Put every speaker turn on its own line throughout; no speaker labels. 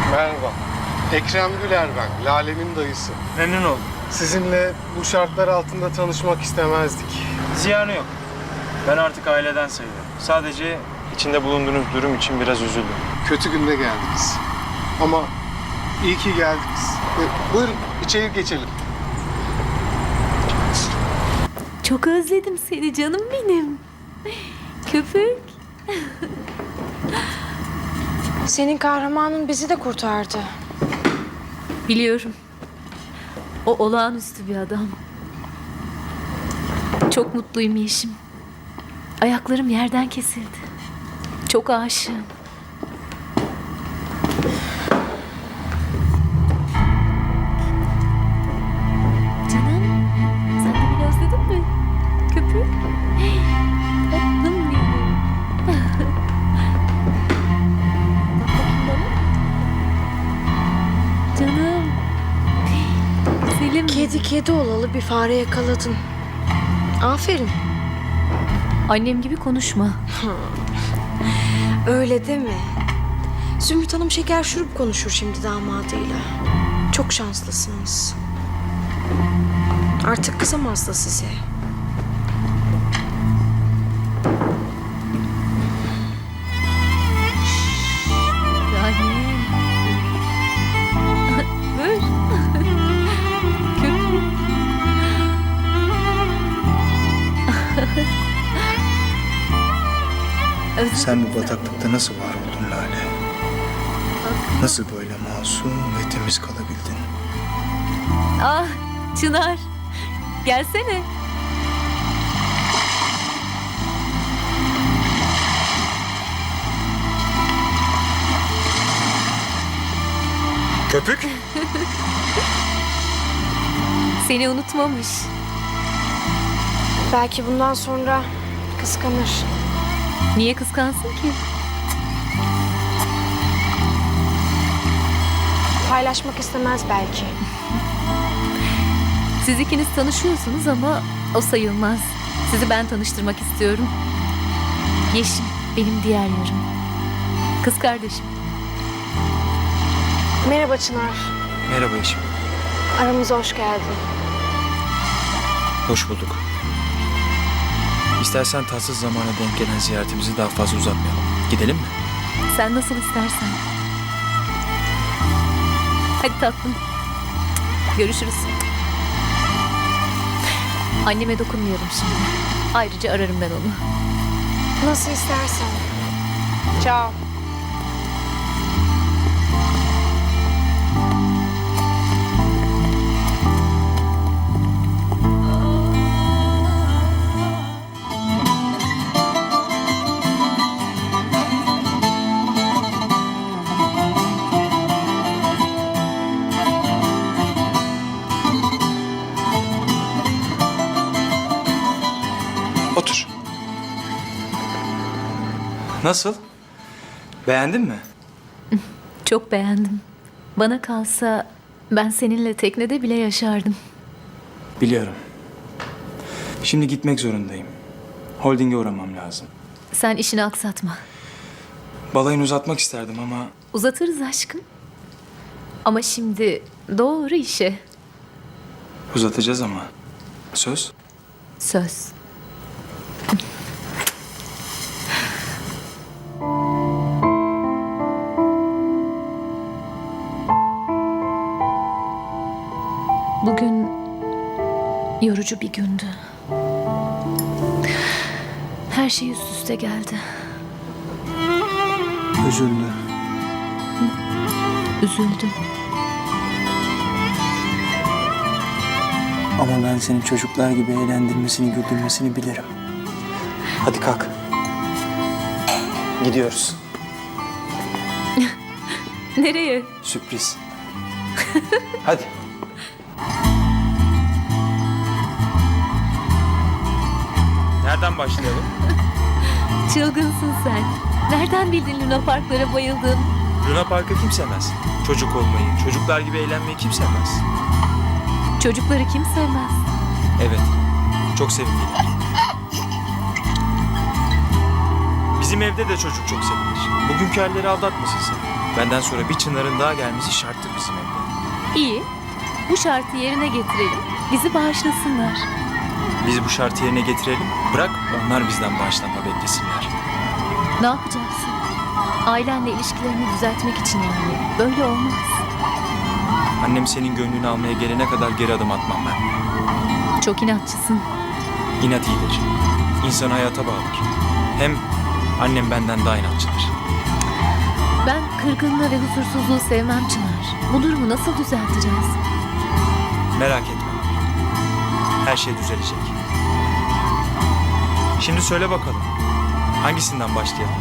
Merhaba. Ekrem Güler ben, Lale'nin dayısı.
Memnun oldum.
Sizinle bu şartlar altında tanışmak istemezdik.
Ziyanı yok. Ben artık aileden sayılırım. Sadece içinde bulunduğunuz durum için biraz üzüldüm.
Kötü günde geldiniz. Ama iyi ki geldiniz. Buyurun, içeri geçelim.
Çok özledim seni canım benim. Köpük.
Senin kahramanın bizi de kurtardı.
Biliyorum. O olağanüstü bir adam. Çok mutluyum Yeşim. Ayaklarım yerden kesildi. Çok aşığım. Canım, sen de beni özledin mi? Köpük. Hey, tatlım benim. Bak bakayım bana. Canım. Güzelim.
Kedi olalı bir fare yakaladın. Aferin.
Annem gibi konuşma.
Öyle deme. Zümrüt Hanım şeker şurup konuşur şimdi damadıyla. Çok şanslısınız. Artık kızamaz da size.
Annem. Dur. Köpük. Özür
Sen bu bataklıkta nasıl var oldun Lale? Nasıl böyle masum ve temiz kalabildin?
Ah Çınar. Gelsene.
Köpük?
Seni unutmamış.
Belki bundan sonra kıskanır.
Niye kıskansın ki?
Paylaşmak istemez belki.
Siz ikiniz tanışıyorsunuz ama o sayılmaz. Sizi ben tanıştırmak istiyorum. Yeşim benim diğer yarım. Kız kardeşim.
Merhaba Çınar.
Merhaba eşim.
Aramıza hoş geldin.
Hoş bulduk. İstersen tatsız zamana denk gelen ziyaretimizi daha fazla uzatmayalım. Gidelim mi?
Sen nasıl istersen. Hadi tatlım. Görüşürüz. Anneme dokunmayalım şimdi. Ayrıca ararım ben onu.
Nasıl istersen. Ciao.
Otur. Nasıl? Beğendin mi?
Çok beğendim. Bana kalsa ben seninle teknede bile yaşardım.
Biliyorum. Şimdi gitmek zorundayım. Holding'e uğramam lazım.
Sen işini aksatma.
Balayını uzatmak isterdim ama
Uzatırız aşkım. Ama şimdi doğru işe.
uzatacağız ama. Söz?
Söz. Bugün yorucu bir gündü. Her şey üst üste geldi.
Üzüldü.
Üzüldüm.
Ama ben senin çocuklar gibi eğlendirmesini, güldürmesini bilirim. Hadi kalk. Gidiyoruz.
Nereye?
Sürpriz. Hadi.
Nereden başlayalım?
Çılgınsın sen. Nereden bildin Luna Parklara bayıldın?
Luna Park'ı kim sevmez? Çocuk olmayı, çocuklar gibi eğlenmeyi kim sevmez?
Çocukları kim sevmez?
Evet, çok sevimliler. Bizim evde de çocuk çok sevilir. Bugünkü halleri aldatmasın seni. Benden sonra bir Çınar'ın daha gelmesi şarttır bizim evde.
İyi. Bu şartı yerine getirelim. Bizi bağışlasınlar.
Biz bu şartı yerine getirelim. Bırak onlar bizden bağışlanma beklesinler.
Ne yapacaksın? Ailenle ilişkilerini düzeltmek için yani. Böyle olmaz.
Annem senin gönlünü almaya gelene kadar geri adım atmam ben.
Çok inatçısın.
İnat iyidir. İnsanı hayata bağlar. Hem annem benden daha inatçıdır.
Ben kırgınlığı ve huzursuzluğu sevmem Çınar. Bu durumu nasıl düzelteceğiz?
Merak etme. Her şey düzelecek. Şimdi söyle bakalım. Hangisinden başlayalım?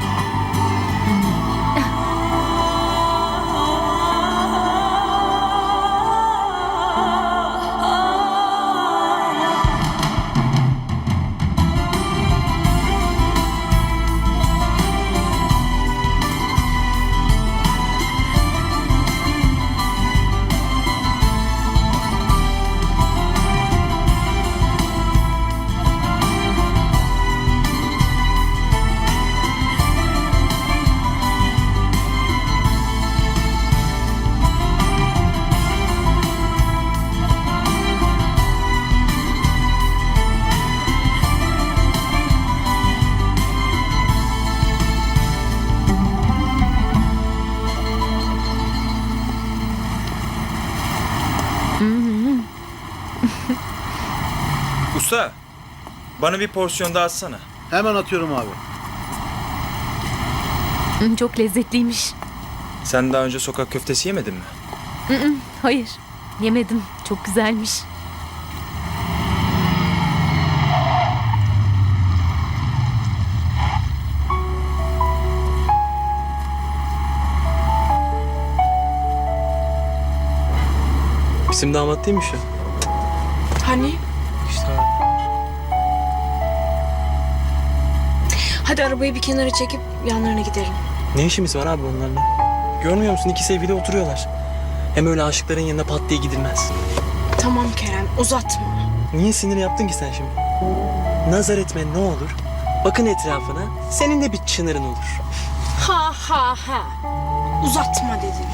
Usta, bana bir porsiyon daha atsana.
Hemen atıyorum abi.
Çok lezzetliymiş.
Sen daha önce sokak köftesi yemedin mi?
Hayır. Yemedim. Çok güzelmiş.
Bizim damat değilmiş ya.
Hani?
İşte
Hadi arabayı bir kenara çekip yanlarına gidelim.
ne işimiz var abi onlarla? Görmüyor musun? İki sevgili oturuyorlar. Hem öyle aşıkların yanına pat diye gidilmez.
Tamam Kerem, uzatma.
Niye sinir yaptın ki sen şimdi? Nazar etme ne olur. Bakın etrafına. Senin de bir Çınar'ın olur.
Ha ha ha. Uzatma dedim.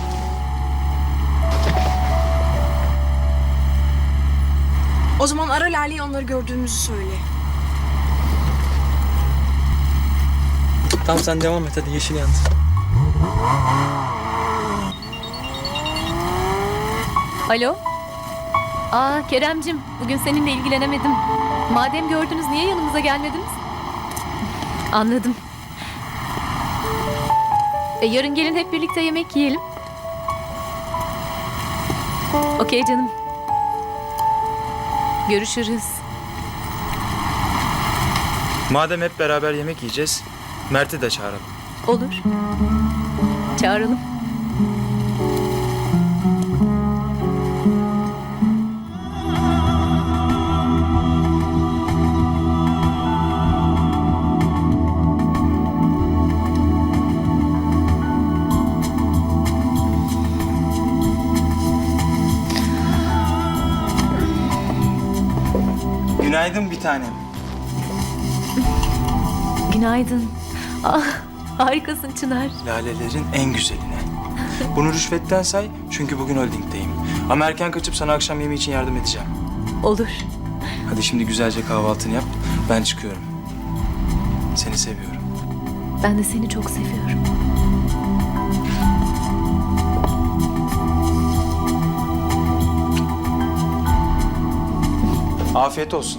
O zaman ara Lale'ye onları gördüğümüzü söyle.
Tamam sen devam et hadi yeşil yandı.
Alo? Keremcim, bugün seninle ilgilenemedim. Madem gördünüz, niye yanımıza gelmediniz? Anladım. Yarın gelin hep birlikte yemek yiyelim. Okey canım. Görüşürüz.
Madem hep beraber yemek yiyeceğiz, Mert'i de çağıralım.
Olur. Çağıralım.
Günaydın bir tanem.
Günaydın. Harikasın Çınar.
Lalelerin en güzeline. Bunu rüşvetten say çünkü bugün holdingdeyim. Ama erken kaçıp sana akşam yemeği için yardım edeceğim.
Olur.
Hadi şimdi güzelce kahvaltını yap. Ben çıkıyorum. Seni seviyorum.
Ben de seni çok seviyorum.
Afiyet olsun.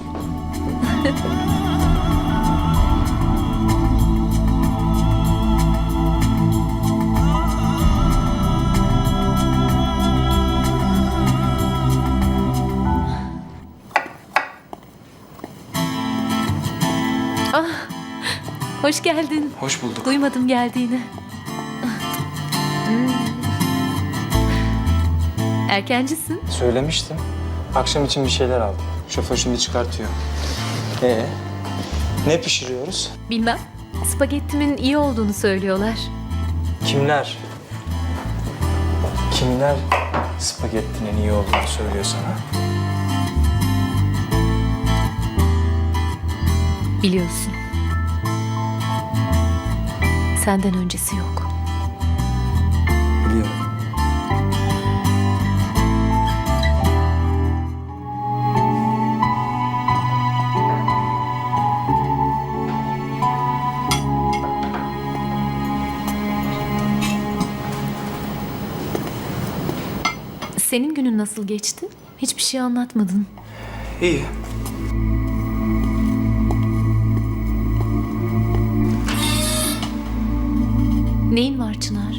Hoş geldin.
Hoş bulduk.
Duymadım geldiğini. Erkencisin.
Söylemiştim. Akşam için bir şeyler aldım. Şoför şimdi çıkartıyor. Ne pişiriyoruz?
Bilmem. Spagettimin iyi olduğunu söylüyorlar.
Kimler? Kimler spagettinin iyi olduğunu söylüyor sana?
Biliyorsun. Senden öncesi yok. Senin günün nasıl geçti? Hiçbir şey anlatmadın.
İyi.
Neyin var Çınar?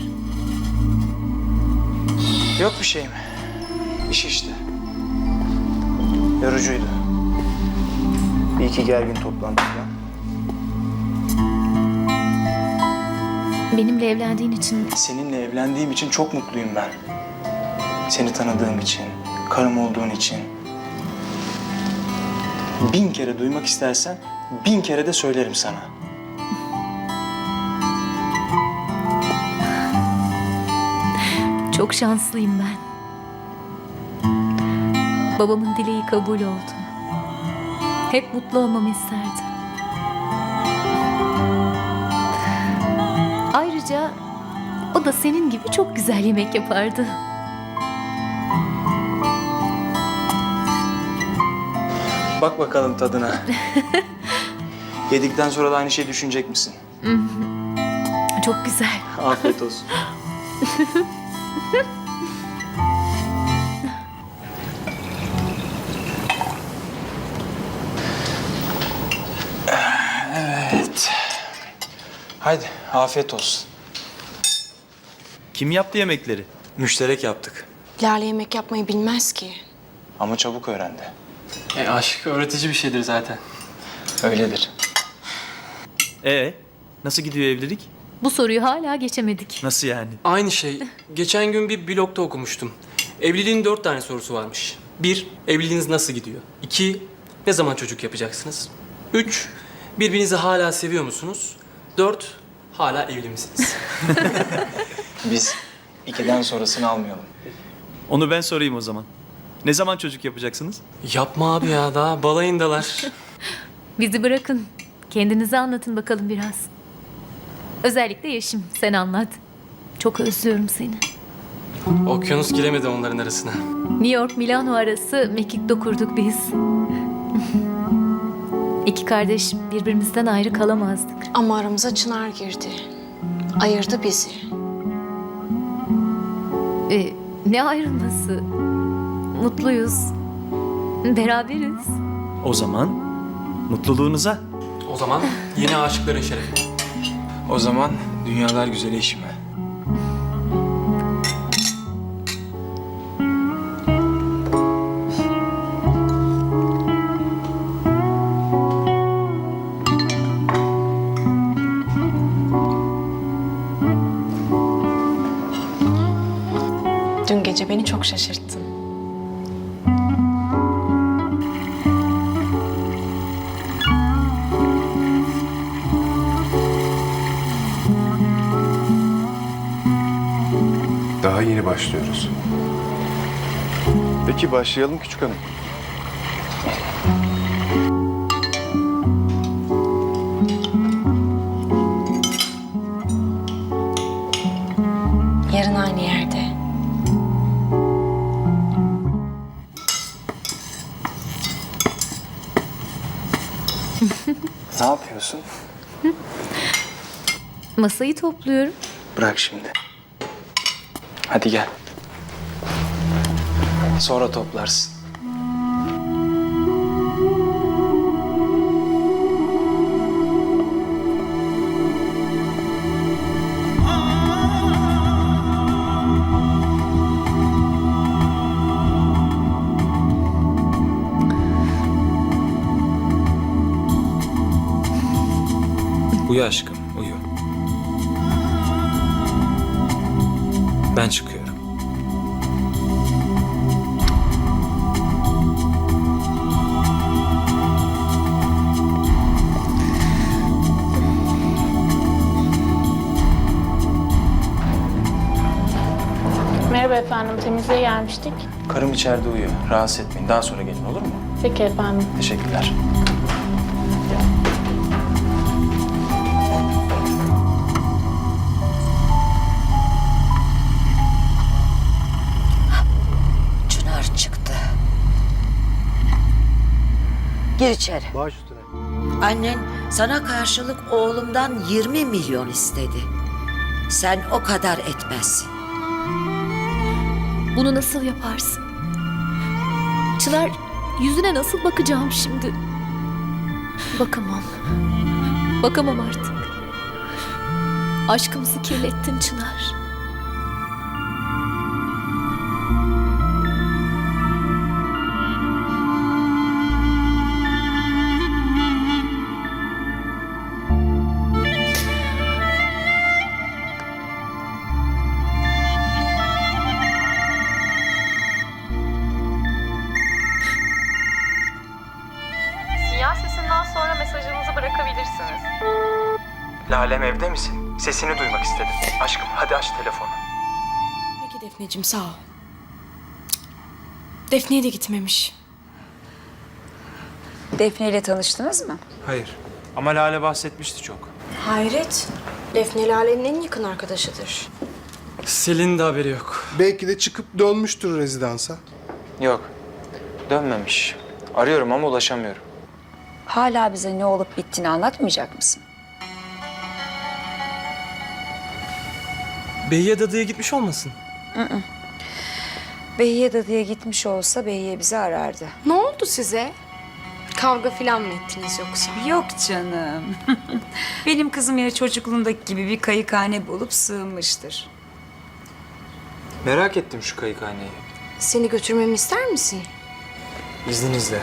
Yok bir şeyim. İş işte. Yorucuydu. Bir iki gergin toplantı falan.
Benimle evlendiğin için
Seninle evlendiğim için çok mutluyum ben. Seni tanıdığım için, karım olduğun için. 1000 kere duymak istersen 1000 kere de söylerim sana.
çok şanslıyım ben. Babamın dileği kabul oldu. Hep mutlu olmamı isterdi. Ayrıca o da senin gibi çok güzel yemek yapardı.
Bak bakalım tadına. Yedikten sonra da aynı şeyi düşünecek misin?
Çok güzel.
Afiyet olsun. Evet. Haydi afiyet olsun.
Kim yaptı yemekleri?
Müşterek yaptık
Lale yemek yapmayı bilmez ki.
ama çabuk öğrendi.
Aşk öğretici bir şeydir zaten.
Öyledir.
Nasıl gidiyor evlilik?
Bu soruyu hala geçemedik.
Nasıl yani?
Aynı şey. Geçen gün bir blogda okumuştum. Evliliğin 4 tane sorusu varmış. 1. Evliliğiniz nasıl gidiyor? 2. Ne zaman çocuk yapacaksınız? 3. Birbirinizi hala seviyor musunuz? 4. Hala evli misiniz?
Biz 2'den sonrasını almayalım.
Onu ben sorayım o zaman. Ne zaman çocuk yapacaksınız?
Yapma abi ya, daha balayındalar.
Bizi bırakın. Kendinizi anlatın bakalım biraz. Özellikle Yeşim, sen anlat. Çok özlüyorum seni.
Okyanus giremedi onların arasına.
New York Milano arası mekikte kurduk biz. İki kardeş birbirimizden ayrı kalamazdık.
Ama aramıza Çınar girdi. Ayırdı bizi.
Ne ayrılması? Mutluyuz. Beraberiz.
O zaman mutluluğunuza.
O zaman yeni aşıkların şerefi.
O zaman dünyalar güzeli eşime.
Dün gece beni çok şaşırttın.
Daha yeni başlıyoruz. Peki başlayalım küçük hanım.
Yarın aynı yerde.
Ne yapıyorsun?
Masayı topluyorum.
Bırak şimdi. Hadi gel. Sonra toplarsın. Uyu aşkım, uyu. Ben çıkıyorum.
Merhaba efendim, temizliğe gelmiştik.
Karım içeride uyuyor. Rahatsız etmeyin. Daha sonra gelin, olur mu?
Peki efendim.
Teşekkürler.
Çınar çıktı. Gir içeri.
Baş üstüne.
Annen sana karşılık oğlumdan 20 milyon istedi. Sen o kadar etmezsin.
Bunu nasıl yaparsın? Çınar, yüzüne nasıl bakacağım şimdi? Bakamam. Bakamam artık. Aşkımızı kirlettin Çınar.
Sinyal sesinden sonra mesajınızı bırakabilirsiniz.
Lalem evde misin? Sesini duymak istedim. Aşkım hadi aç telefonu.
Peki Defneciğim, sağ ol. Defne'ye de gitmemiş.
Defne ile tanıştınız mı?
Hayır. Ama Lale bahsetmişti çok.
Hayret. Defne Lale'nin en yakın arkadaşıdır.
Selin de haberi yok.
Belki de çıkıp dönmüştür rezidansa.
Yok. Dönmemiş. Arıyorum ama ulaşamıyorum.
Hala bize ne olup bittiğini anlatmayacak mısın?
Behiye dadıya gitmiş olmasın?
Behiye dadıya gitmiş olsa Behiye bizi arardı.
Ne oldu size? Kavga falan mı ettiniz yoksa?
Yok canım. Benim kızım yine çocukluğundaki gibi bir kayıkhane bulup sığınmıştır.
Merak ettim şu kayıkhaneyi.
Seni götürmemi ister misin?
İzninizle.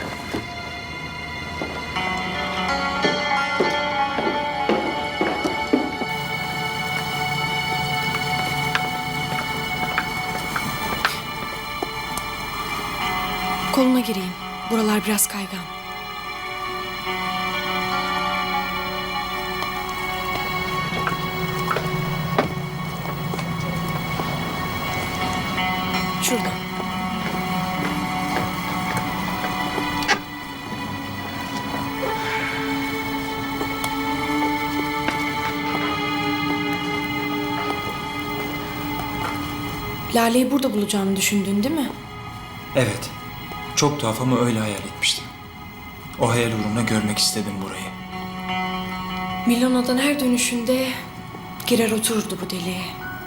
Koluna gireyim. Buralar biraz kaygan. Şurada. Lale'yi burada bulacağını düşündün değil mi?
Evet. Çok tuhaf ama öyle hayal etmiştim. O hayal uğruna görmek istedim burayı.
Milano'dan her dönüşünde girer otururdu bu deliğe.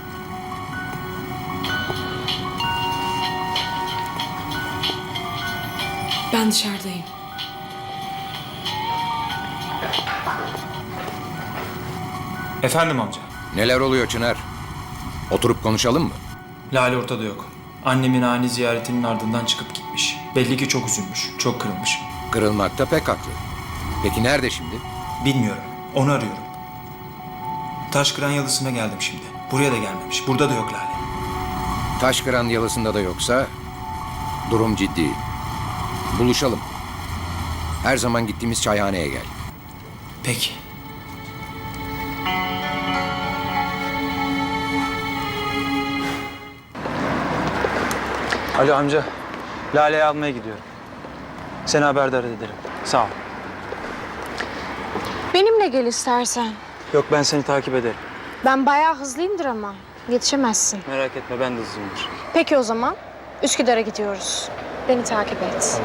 Ben dışarıdayım.
Efendim amca.
Neler oluyor Çınar? Oturup konuşalım mı?
Lale ortada yok. Annemin ani ziyaretinin ardından çıkıp gitmiş. Belli ki çok üzülmüş, çok kırılmış.
Kırılmakta pek haklı. Peki nerede şimdi?
Bilmiyorum, onu arıyorum. Taşkıran Yalısı'na geldim şimdi. Buraya da gelmemiş, burada da yok Lale.
Taşkıran Yalısı'nda da yoksa durum ciddi. Buluşalım. Her zaman gittiğimiz çayhaneye gel.
Peki. Alo amca, Lale'yi almaya gidiyorum. Seni haberdar ederim. Sağ ol.
Benimle gel istersen.
Yok ben seni takip ederim.
Ben bayağı hızlıyımdır ama. Yetişemezsin.
Merak etme ben de hızlıyımdır.
Peki o zaman Üsküdar'a gidiyoruz. Beni takip et.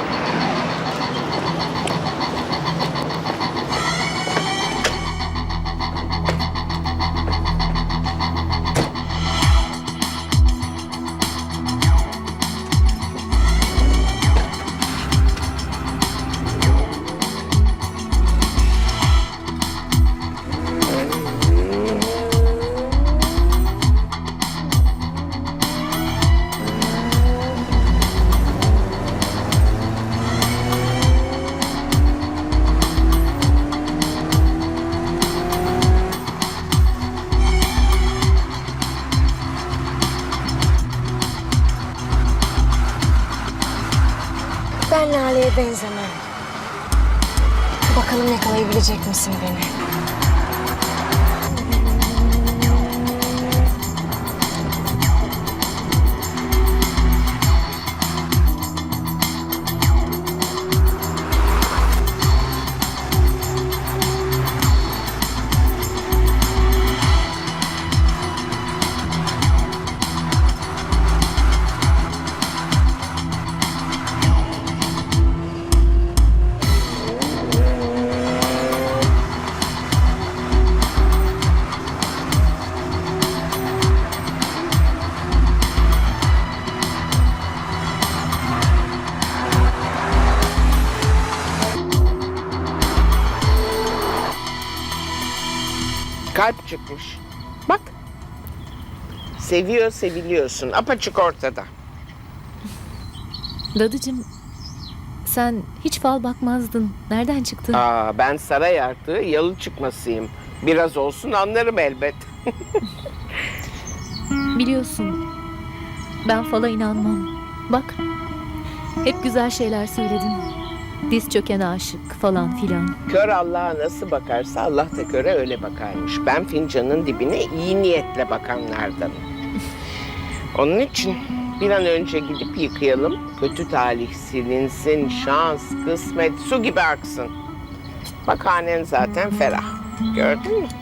Ben Lale'ye benzemem. Bakalım yakalayabilecek misin beni?
Kalp çıkmış. Bak. Seviyor, seviliyorsun. Apaçık ortada.
Dadıcığım, sen hiç fal bakmazdın. Nereden çıktı?
Ben saray artığı yalı çıkmasıyım. Biraz olsun anlarım elbet.
Biliyorsun, ben fala inanmam. Bak, hep güzel şeyler söyledin. Diz çöken aşık falan filan.
Kör Allah'a nasıl bakarsa Allah da köre öyle bakarmış. Ben fincanın dibine iyi niyetle bakanlardanım. Onun için bir an önce gidip yıkayalım. Kötü talih silinsin, şans, kısmet su gibi aksın. Bak hanen zaten ferah. Gördün mü?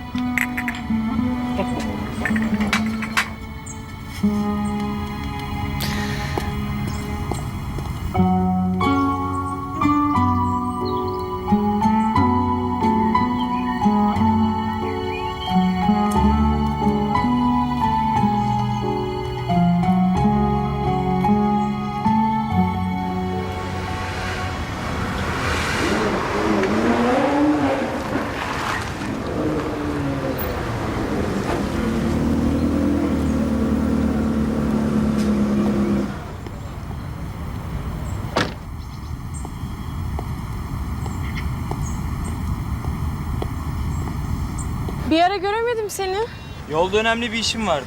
Bir ara göremedim seni.
Yolda önemli bir işim vardı.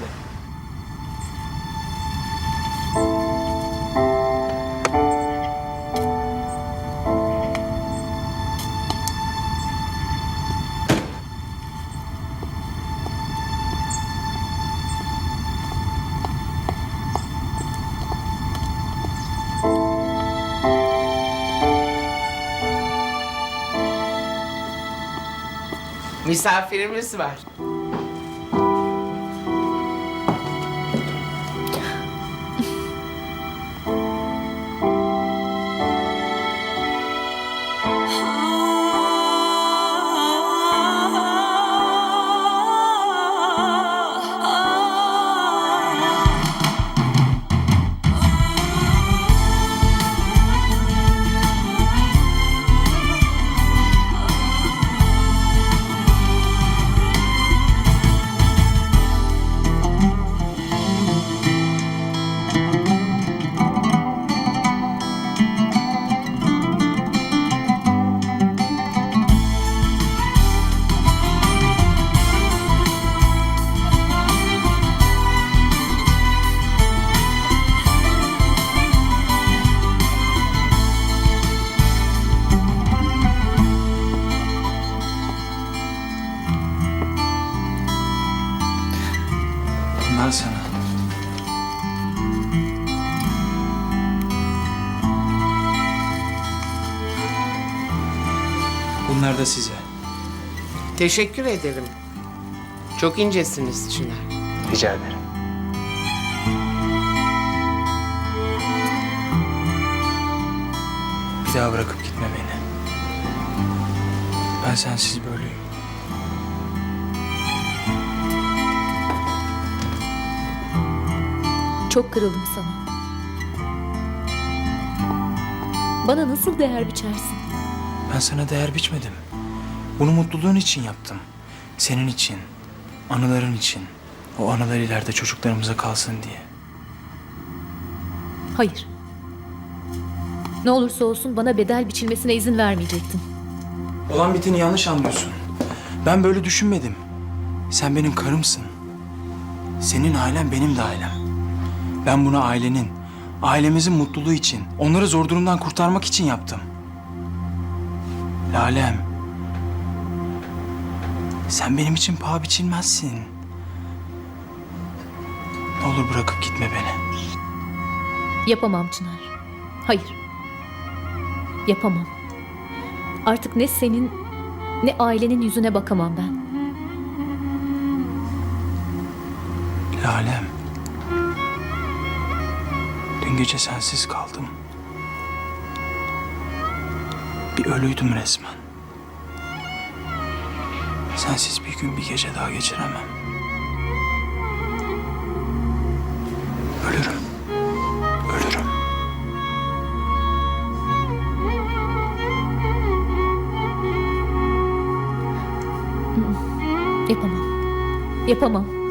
Misafirimiz var.
Bunlar sana. Bunlar da size.
Teşekkür ederim. Çok incesiniz Çınar.
Rica ederim. Bir daha bırakıp gitme beni. Ben sensiz böyleyim.
Çok kırıldım sana. Bana nasıl değer biçersin?
Ben sana değer biçmedim. Bunu mutluluğun için yaptım. Senin için, anıların için. O anılar ileride çocuklarımıza kalsın diye.
Hayır. Ne olursa olsun bana bedel biçilmesine izin vermeyecektin.
Olan biteni yanlış anlıyorsun. Ben böyle düşünmedim. Sen benim karımsın. Senin ailen benim de ailem. Ben bunu ailenin, ailemizin mutluluğu için, onları zor durumdan kurtarmak için yaptım. Lalem, sen benim için paha biçilmezsin. Ne olur bırakıp gitme beni.
Yapamam Çınar. Hayır. Yapamam. Artık ne senin ne ailenin yüzüne bakamam ben.
Lalem, dün gece sensiz kaldım. Bir ölüydüm resmen. Sensiz bir gün bir gece daha geçiremem. Ölürüm. Ölürüm.
Yapamam. Yapamam.